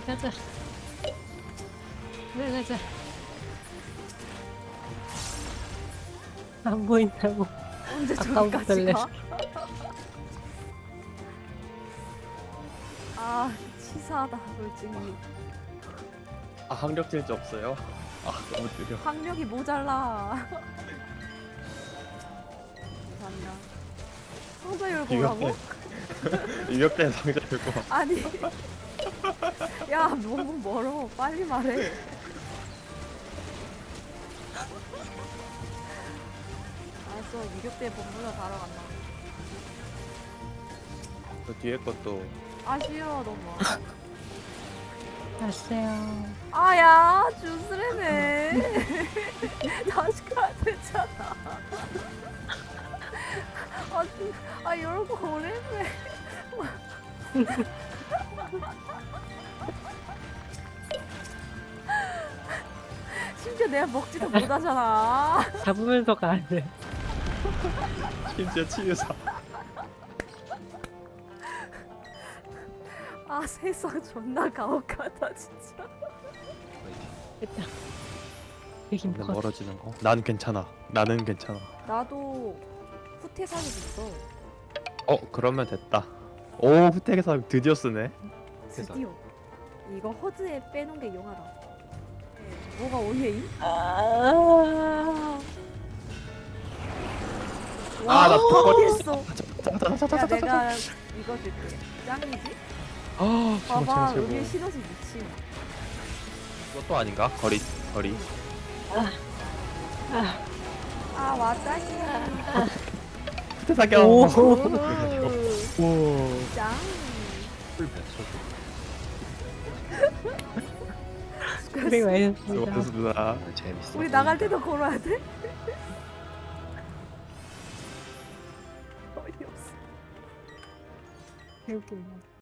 가자. 그래 가자. 안 보인다고. 언제 아까부터 저기까지 내- 가? 아 치사하다 솔직히. 아 학력 질주 없어요? 아 너무 느려. 학력이 모자라. 감사합니다. 상자 열고 오라고? 유격된 상자 들고 와. 아니 야 너무 멀어 빨리 말해. 알았어 유격대 본부나 가러 간다. 저 뒤에 것도 아쉬워 너무. 왔어요. 아야 주스레네. 다시 가야 되잖아. 아 열고 오래네. 심지어 내가 먹지도 못하잖아. 잡으면서 가야 돼. 심지어 치유사. 아 세상 존나 가혹하다 진짜. 됐다. 여긴 근데 버스. 멀어지는 거? 난 괜찮아. 나는 괜찮아. 나도 후퇴사기 있어. 그러면 됐다. 오 후택에서 드디어 쓰네. 드디어. 이거 허드에 빼놓은 게 용하다. 뭐가 오해임? 아. 와, 나 턱걸이 있어. 야 자자자자자자자. 내가 이거 줄게. 짱이지? 아 봐봐 최고 여기에 최고. 신호지 미친. 이것도 아닌가? 거리. 아 왔다시. 후퇴 사격. 오. 오. 짱. 고생 많으셨습니다. 수고하셨습니다. 우리 나갈 때도 걸어야 돼? 어이없어. 배울게요.